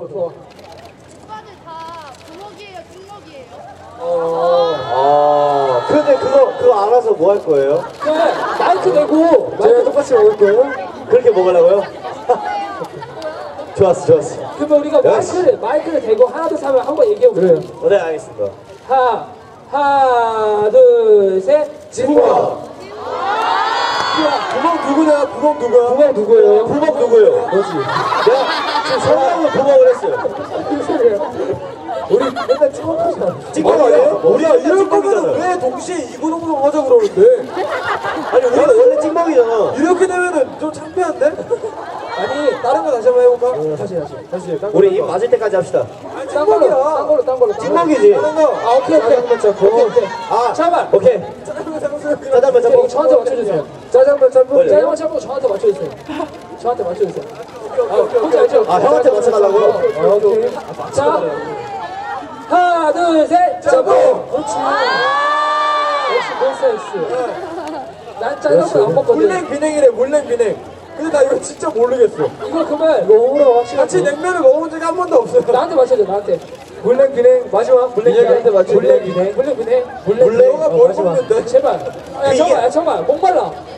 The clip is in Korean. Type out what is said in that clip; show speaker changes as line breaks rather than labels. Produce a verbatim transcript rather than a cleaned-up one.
좋아.
오빠들 다 부먹이에요, 찍먹이에요?
어.
아, 근데 그거 그거 알아서 뭐 할 거예요?
그냥 마이크 대고 제가 똑같이 먹을 거예요.
그렇게 먹으려고요? 좋았어, 좋았어.
그러면 우리가 마이크를 마이크를 대고 하나 둘 셋 하면 한번 얘기해 보세요.
어, 네, 알겠습니다.
하 하나 둘 셋.
진짜.
부먹 누구냐? 부먹 누구야?
부먹 누구예요?
부먹 누구예요?
너지.
내가 지금 설명을 부먹을 했어요.
우리 맨날 찍먹하잖아.
찍먹 아니에요? 우리가
이럴 거면
찍먹이잖아.
왜 동시에 이구동성 하자 그러는데?
아니, 우리가 원래 찍먹이잖아.
이렇게 되면은 좀 창피한데? 아니 다른 거 다시 한번 해볼까? 다시 다시 다시 딴
우리
걸로
입
해봐.
맞을 때까지 합시다.
아니
딴 걸로 딴
찍먹이야.
걸로 딴 걸로.
찍먹이지?
다른 거.
아 오케이 오케이.
짜장면 짬뽕.
오케이 오케이.
아,
잠깐만.
오케이.
짜장면 짬뽕.
짜장면 짬뽕.
저한테 맞춰주세요.
짜장면 짬뽕.
원래?
짜장면 짬뽕 저한테 맞춰주세요. 저한테 맞춰주세요. 아, 뭔지 알죠?
아, 형한테 맞춰달라고요?
어, 오케이. 자, 하나, 둘, 셋, 짬뽕! 그렇지. 역시 몬스타엑스. 난 짜장면 안 먹거든.
물냉 비냉이래 물냉 비냉. 근데 나 이거 진짜 모르겠어.
이거 그러면 이거 오므로 확실히
같이 냉면을 먹어본 적이 한 번도 없어요.
나한테 맞춰줘, 나한테.
물냉 비냉 마지막 물냉 비냉한테 맞춰.
물냉 비냉. 물냉 비냉.
물냉 너가 뭘 먹는데?
제발. 야,
이게-
잠깐만, 야, 잠깐만. 목말라.